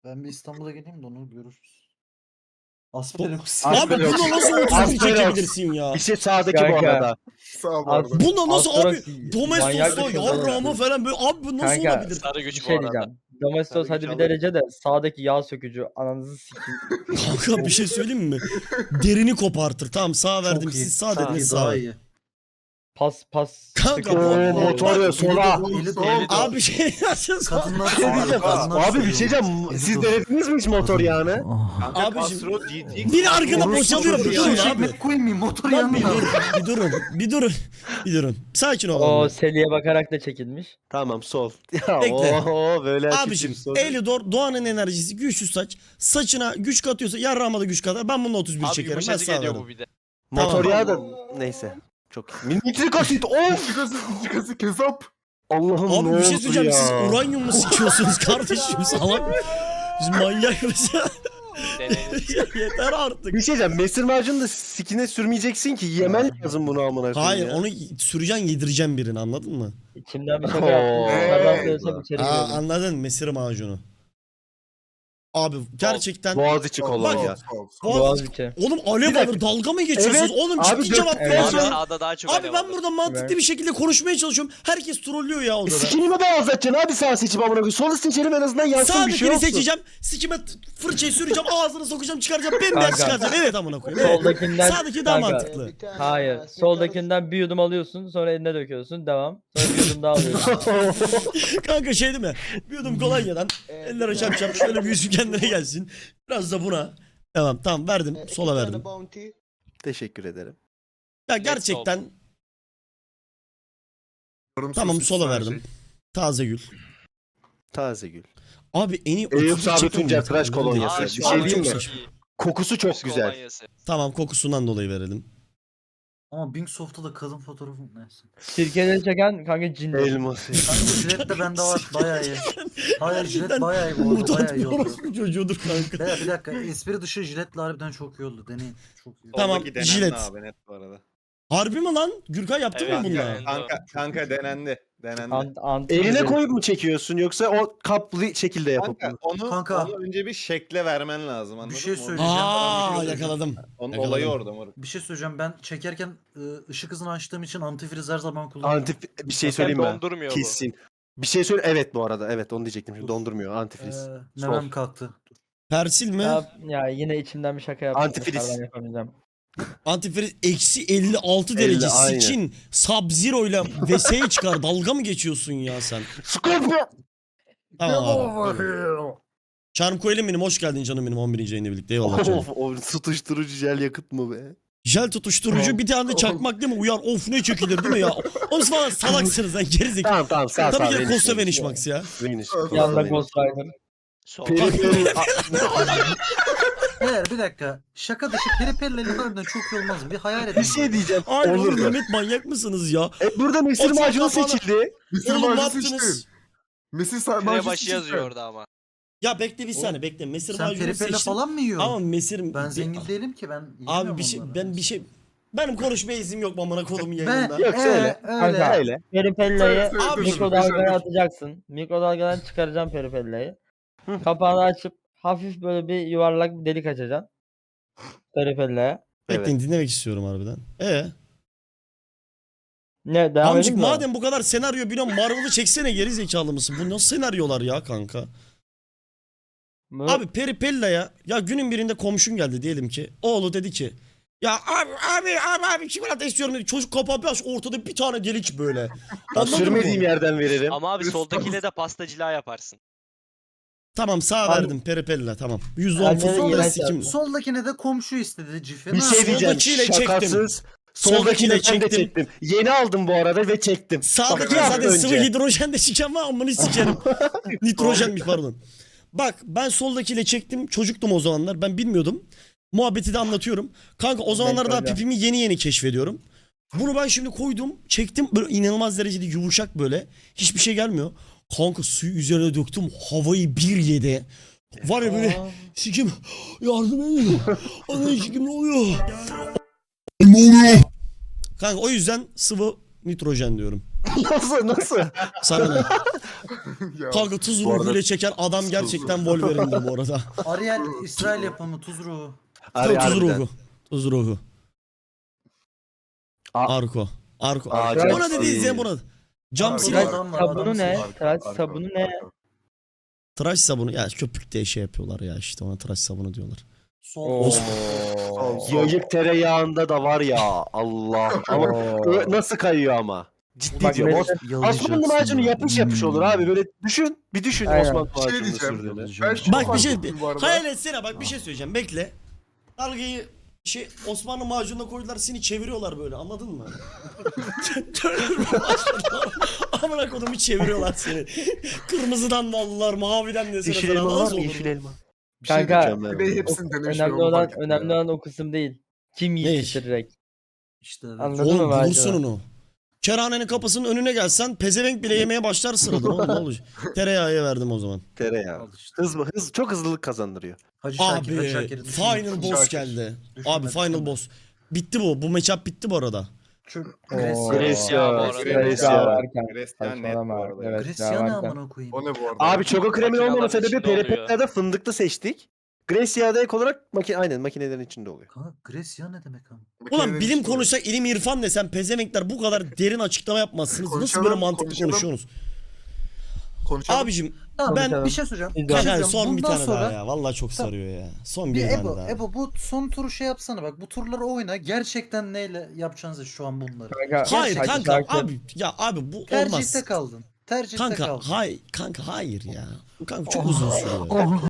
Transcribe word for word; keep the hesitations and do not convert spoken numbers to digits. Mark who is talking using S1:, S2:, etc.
S1: Ben bir İstanbul'a geleyim de onu görürüz. Asperox.
S2: Abi bunu nasıl otuz bir
S3: Aferin.
S2: çekebilirsin ya?
S3: Bir şey sağdaki bu
S4: Kanka.
S3: arada.
S5: Sağ ol bu arada.
S2: Buna nasıl abi?
S4: Astrox
S2: Domestos'ta
S4: manyak bir şey
S2: yarrağıma
S4: olabilir.
S2: falan böyle abi bu nasıl
S4: Kanka,
S2: olabilir?
S6: Sarı
S4: Bir
S6: güç bu
S4: şey
S6: arada.
S4: diyeceğim. Domestos
S3: Tabii
S4: hadi
S3: ki
S4: bir derece de sağdaki yağ sökücü ananızı sikeyim.
S2: Kanka bir şey söyleyeyim mi? Derini kopartır. Tamam sağ verdim
S1: Çok iyi.
S2: siz sağ
S1: Çok
S2: dediniz
S1: iyi,
S2: sağ.
S1: daha
S2: ver.
S1: iyi.
S4: Pas pas.
S2: Kanka,
S4: sökücü.
S2: bu-
S3: Oo motor ya sola.
S1: Eli de
S5: Eli de-
S2: Abi bir şey yapacağız.
S1: Kadınlar
S3: Bir şey diyeceğim.
S1: kadınlar
S3: Abi bir şey diyeceğim.
S1: Eli
S3: Siz
S1: de-
S3: denediniz mi hiç motor yağını?
S7: Kanka
S2: Abicim,
S7: Castro G T
S2: bir arkada
S1: Orospu
S2: boşalıyor.
S1: çocuğu,
S2: Bir durun
S1: eşek
S2: abi.
S1: mi koyayım motor
S2: Lan bir
S1: yanına.
S2: durun. Bir durun. Bir durun. Bir durun. Sakin
S4: O
S2: olun.
S4: Seli'ye bakarak da çekilmiş.
S3: Tamam sol. Ya
S2: Bekle.
S3: oho böyle
S2: Abicim Elidor Doğan'ın enerjisi güçsüz saç. Saçına güç katıyorsa yarrağıma da güç katar. Ben bununla otuz bir
S6: Abi
S2: çekerim. Ben
S6: yumuşacık
S2: sağ
S6: geliyor
S2: veririm.
S6: bu bir de.
S3: Motor
S2: Tamam.
S3: yağı da neyse. Çok iyi. Nitrik asit. Of.
S5: Çıkası, çıkası kesap.
S3: Allah'ım
S2: Abi
S3: ne
S2: bir şey
S3: oldu
S2: söyleyeceğim.
S3: ya?
S2: Siz uranyum mu sikiyorsunuz kardeşim salak? Siz manyak mısınız?
S6: Deneyiniz.
S2: Ya yeter artık.
S3: Bir şey diyeceğim. Mesir macunu da sikine sürmeyeceksin ki. Yemen lazım bunu amına koyayım
S2: Hayır
S3: ya.
S2: onu süreceksin yedireceğim birine anladın mı?
S4: İçimden bir şaka
S3: Oo.
S4: yaptım. Sabah
S5: Hey.
S4: söylesem içeri
S2: Aa,
S4: giriyordum.
S2: anladın mesir macunu. Abi gerçekten
S3: Boğaziçi kolonya.
S2: Bak-
S5: Sol, sol.
S2: Boğaz-
S4: Boğaziçi.
S2: Oğlum alev
S3: Bir dakika.
S2: alır dalga mı geçiyorsunuz?
S3: Evet,
S2: Oğlum
S3: abi
S2: ciddi
S3: dök-
S2: cevap
S4: Evet.
S2: ver
S6: Abi
S2: ya.
S6: sağda daha çok
S2: Abi
S6: alev
S2: ben
S6: alır.
S2: burada mantıklı
S4: Evet.
S2: bir şekilde konuşmaya çalışıyorum. Herkes trollüyor ya odada.
S3: Sikini mi beyazlatacaksın abi sağ seçip amına koyayım. Solu seçelim en azından yansın bir şey
S2: Sağdakini
S3: olsun.
S2: seçeceğim. Sikime t- fırçayı süreceğim. Ağzını sokacağım çıkaracağım. Bembeyaz
S4: Kanka.
S2: çıkaracağım. Evet amına koyayım. Evet.
S4: Soldakinden
S2: Sağdaki daha
S4: Kanka,
S2: mantıklı.
S4: Hayır. Soldakinden bir yudum alıyorsun, sonra eline döküyorsun. Devam. Sonra bir yudum daha alıyorsun.
S2: Kanka şey değil mi? Bir yudum kolonyadan ellere çarpacağım. Şöyle bir yüzü kendine gelsin. Biraz da buna. Tamam tamam verdim. Sola verdim.
S3: Teşekkür ederim.
S2: Ya gerçekten
S5: Yorumsuz
S2: tamam
S5: üç
S2: sola
S5: tane
S2: verdim.
S5: şey.
S2: Taze gül.
S3: Taze gül.
S2: Abi en iyi
S3: Eyüp
S2: otuz
S3: Sabri
S2: çekim
S3: Tuncer
S2: mi?
S3: tıraş kolonyası.
S6: Aa,
S3: Bir
S6: şu
S3: şey
S6: an
S3: diyeyim
S6: çok
S3: mi?
S6: iyi.
S3: Kokusu çok
S6: Kız
S3: güzel.
S6: kolonyası.
S2: Tamam kokusundan dolayı verelim.
S1: Ama Bingsoft'ta da kadın fotoğrafı neyse.
S4: Sirkeleri çeken kanka cindir.
S3: Elması.
S1: Kanka jilet de bende var bayağı iyi. Hayır jilet
S2: Gerçekten
S1: bayağı iyi bu arada
S2: Mutant
S1: bayağı
S2: bir
S1: iyi oldu.
S2: orospu çocuğudur kanka.
S1: Beyler bir dakika espri dışı jiletle harbiden çok iyi oldu deneyin. Çok iyi.
S2: Tamam,
S7: Soldaki denendi
S2: jilet.
S7: abi net bu arada.
S2: Harbi mi lan? Gürkan yaptın
S6: Evet,
S2: mı bunu?
S6: yani.
S7: Kanka, kanka denendi. Denendi.
S4: Ant, ant,
S3: Eline koyup mu çekiyorsun yoksa o kaplı şekilde yapıp
S7: Kanka
S3: mı?
S7: onu,
S1: Kanka.
S7: onu önce bir şekle vermen lazım anladın
S1: Bir şey
S7: mı?
S1: söyleyeceğim.
S2: Aa
S1: Bir şey
S2: yakaladım.
S7: Onun
S2: Yakaladım.
S7: olayı orada moruk.
S1: Bir şey söyleyeceğim ben çekerken ı, ışık hızını açtığım için antifriz her zaman kullanıyorum.
S3: Antif bir şey
S6: Hem
S3: söyleyeyim mi?
S6: dondurmuyor bu.
S3: Kesin. Bir şey söyle. Evet bu arada. Evet onu diyecektim. Şimdi dondurmuyor. Antifriz.
S1: Ee,
S3: Sol.
S1: Nemem kalktı.
S2: Persil mi?
S4: Ya, ya yine içimden bir şaka yaptım.
S3: Antifriz.
S4: Dışarıdan yapamayacağım.
S2: Antifriz eksi elli altı derece
S3: aynen.
S2: sikin Sub-Zero ile V S'ye çıkar. Dalga mı geçiyorsun ya sen?
S3: Scorpio.
S2: Tamam abi. Charmco Elim'im hoş geldin canım benim on birinci yayında birlikte. Eyvallah canım.
S3: Of, o tutuşturucu jel yakıt mı be?
S2: Jel tutuşturucu bir tane de çakmak değil mi? Uyar of ne çekilir değil mi ya? Oğlum siz falan salaksınız lan gerizekalı.
S3: Tamam tamam sağ sağ.
S2: Tabii ki de
S3: Veniş,
S2: Costa
S3: Veniş.
S2: Vanish Max ya.
S3: Veniş.
S4: Yanında
S3: Veniş.
S4: Ghost Rider.
S6: Sol.
S3: Peri peri.
S1: Beyler bir dakika. Şaka dışı peripelleri harbiden çok iyi olmaz mı? Bir hayal edin.
S3: Bir şey diyeceğim.
S2: Ay
S3: Olur
S2: oğlum
S3: da.
S2: Mehmet manyak mısınız ya?
S3: E, burada mesir
S2: O çok
S3: macunu
S2: kafalı.
S3: seçildi.
S5: Mesir
S2: Oğlum ne
S5: macunu
S2: yaptınız?
S5: seçtim. Mesir sa-
S6: Kre
S5: macunu
S6: başı
S5: seçtim.
S6: yazıyor orada ama.
S2: Ya bekle bir saniye bekle. Mesir
S1: Sen
S2: macunu
S1: peripelle
S2: seçtim.
S1: falan mı yiyorsun?
S2: Ama mesir...
S1: Ben zengin değilim ki ben
S2: Abi
S1: yiyemiyorum
S2: bir şey
S1: onları.
S2: ben bir şey benim konuşmaya iznim yok amına kodumun
S1: Ben
S2: yayınında.
S3: Yok,
S1: ee,
S3: söyle.
S1: öyle.
S4: Kanka.
S3: Öyle.
S4: Peripelleyi
S5: Söyle, söyle,
S2: Abi,
S5: dur, dur,
S4: mikrodalgaya
S5: dur.
S4: atacaksın. Mikrodalgadan çıkaracaksın peripelleyi. Kapağını açıp hafif böyle bir yuvarlak bir delik açacaksın. Peripelleye.
S2: Bekleyin dinlemek istiyorum harbiden. Ee,
S4: Ne devam
S2: amcık
S4: edeyim mi?
S2: madem bu kadar senaryo biliyorum Marvel'ı çeksene geri zekalı mısın? Bu nasıl senaryolar ya kanka?
S4: Bu-
S2: Abi Peripella'ya ya günün birinde komşun geldi diyelim ki. Oğlu dedi ki ya abi abi abi abi çikolata istiyorum dedi. Çocuk kapağı bir aç ortada bir tane delik böyle.
S3: Ya,
S2: Anladın
S3: sürmediğim
S2: mı?
S3: yerden veririm.
S6: Ama abi
S5: Üst-
S6: soldakiyle de pastacılığa yaparsın.
S2: Tamam sağ
S4: Abi-
S2: verdim Peripella tamam. yüzde on
S4: Anne de
S2: fısılda
S4: iğrenç
S2: sikim.
S4: yaptı.
S1: Soldakine de komşu istedi cife.
S3: Bir
S1: Ne
S3: şey
S1: yapayım?
S3: diyeceğim.
S2: Soldakiyle çektim.
S3: Şakasız.
S2: Soldakiyle
S3: Soldakini ben de
S2: çektim.
S3: çektim. Yeni aldım bu arada ve çektim. Bak,
S2: Sağdaki
S3: bir hafta
S2: zaten sıvı
S3: önce.
S2: hidrojen de siken var amını sikerim. Nitrojenmiş pardon. Bak ben soldakiyle çektim. Çocuktum o zamanlar. Ben bilmiyordum. Muhabbeti de anlatıyorum. Kanka o zamanlar daha
S4: öyle.
S2: pipimi yeni yeni keşfediyorum. Bunu ben şimdi koydum. Çektim. Böyle inanılmaz derecede yumuşak böyle. Hiçbir şey gelmiyor. Kanka suyu üzerine döktüm. Havayı bir yedi. Var ya böyle
S4: Aa.
S2: sikim yardım edin. Ana sikim ne oluyor? Ne oluyor? Kanka o yüzden sıvı nitrojen diyorum.
S3: Nasıl nasıl?
S2: Sana ne?
S5: Ya,
S2: Kanka tuz
S3: Bu arada-
S2: ruhuyla çeken adam gerçekten Wolverine'dir bu arada.
S1: Ariel İsrail yapımı tuz ruhu.
S3: Ari
S2: tuz
S3: harbiden.
S2: ruhu. Tuz ruhu.
S3: A-
S2: Arko. Arko.
S3: Aa,
S2: Arko. Ona
S3: Jackson.
S2: dediğiniz ya buna. Cam
S1: Arko.
S2: silah.
S1: Adam
S4: Tıraş
S1: var,
S4: sabunu
S1: adam
S4: ne?
S1: var.
S4: Tıraş
S5: Arka,
S4: sabunu ne?
S5: arka.
S2: Tıraş sabunu. Ya köpük diye şey yapıyorlar ya işte ona tıraş sabunu diyorlar.
S1: Sol.
S4: Oo.
S5: Sol, sol.
S3: Yayık tereyağında da var ya Allah. Ama ö- nasıl kayıyor ama. Ciddi
S4: Bak
S3: diyorum.
S4: mesela-
S3: Os- Osmanlı macunu yapış yapış olur abi. Böyle düşün. Bir düşün
S4: Aynen.
S3: Osmanlı
S5: Bir şey
S3: macunu
S5: diyeceğim.
S3: sürdüğünü.
S5: Ben şu
S2: Bak bir
S5: fark
S2: şey
S5: ettim bu arada.
S2: hayal etsene bak bir şey söyleyeceğim bekle. Dalgayı şey Osmanlı macununa koydular seni çeviriyorlar böyle anladın mı? Döndürmeye başladılar. Amına kodumu çeviriyorlar seni. Kırmızıdan da aldılar maviden de
S3: Yeşil
S2: sana
S3: elma var
S2: nasıl
S3: mı?
S2: olur
S3: Yeşil
S2: bu?
S3: elma. Bir şey
S4: Kanka,
S3: diyeceğim
S5: Bir de
S3: ben.
S5: hepsini denemiş.
S4: Önemli
S5: onu
S4: olan
S5: fark ettim
S4: önemli
S5: ya.
S4: olan o kısım değil. Kim
S2: Ne
S4: yiyip
S2: iş?
S4: bitirecek?
S1: İşte evet.
S4: Anladın mı
S2: Oğlum
S4: macunu?
S2: bulursun onu. Kerhanenin kapısının önüne gelsen pezevenk bile yemeye başlar sıradan oğlum ne olacak? Tereyağı verdim o zaman.
S3: Tereyağı.
S1: Al işte.
S3: Hız, hız çok hızlılık kazandırıyor.
S1: Hacı Şakir, Hacı
S2: Abi
S1: Şakir'i düşünme.
S2: final boss
S5: Şakir.
S2: geldi.
S1: Düşünme,
S2: Abi final
S1: düşünme.
S2: boss. Bitti bu. Bu matchup bitti bu arada.
S1: Şu
S4: Oo.
S1: Grecia.
S4: Grecia
S6: bu arada.
S4: Grecia varken.
S7: Resmen net bu
S4: Saçmalama.
S7: arada.
S4: Evet,
S1: Grecia ne
S4: varken.
S1: amına koyayım?
S5: O ne bu arada?
S3: Abi çoko kremin
S6: Makineler
S3: olmama sebebi
S6: içinde oluyor.
S3: peripetlerde fındıklı seçtik. Grecia'da ek olarak makine aynen makinelerin içinde oluyor.
S1: Kanka Grecia ne demek ama?
S2: Ulan
S5: Makinenin
S2: bilim
S5: içinde
S2: konuşsak ilim irfan desem pezevenkler bu kadar derin açıklama yapmazsınız. Nasıl
S5: Konuşalım,
S2: böyle mantıklı
S5: konuşalım.
S2: konuşuyorsunuz?
S5: konuşalım.
S2: Abicim
S1: Tamam ben
S4: Konuşalım.
S1: bir şey söyleyeceğim.
S4: Biz
S1: Bir şey
S2: kanka
S1: söyleyeceğim.
S2: son bir
S1: Bundan
S2: tane
S1: sonra
S2: daha ya. Vallahi çok
S1: Tamam.
S2: sarıyor ya. Son
S1: bir
S2: bir tane
S1: Ebo,
S2: daha.
S1: Ebo bu son turu şey yapsana bak. Bu turları oyna. Gerçekten neyle yapacağınızı şu an bunları.
S4: Kanka,
S2: Hayır
S4: Hacı
S2: kanka
S4: Şakir-
S2: abi ya abi bu
S1: Tercihte
S2: olmaz.
S1: kaldın. Tercihte
S2: Kanka
S1: kaldın.
S2: hay kanka hayır ya. Kanka çok uzun sürüyor.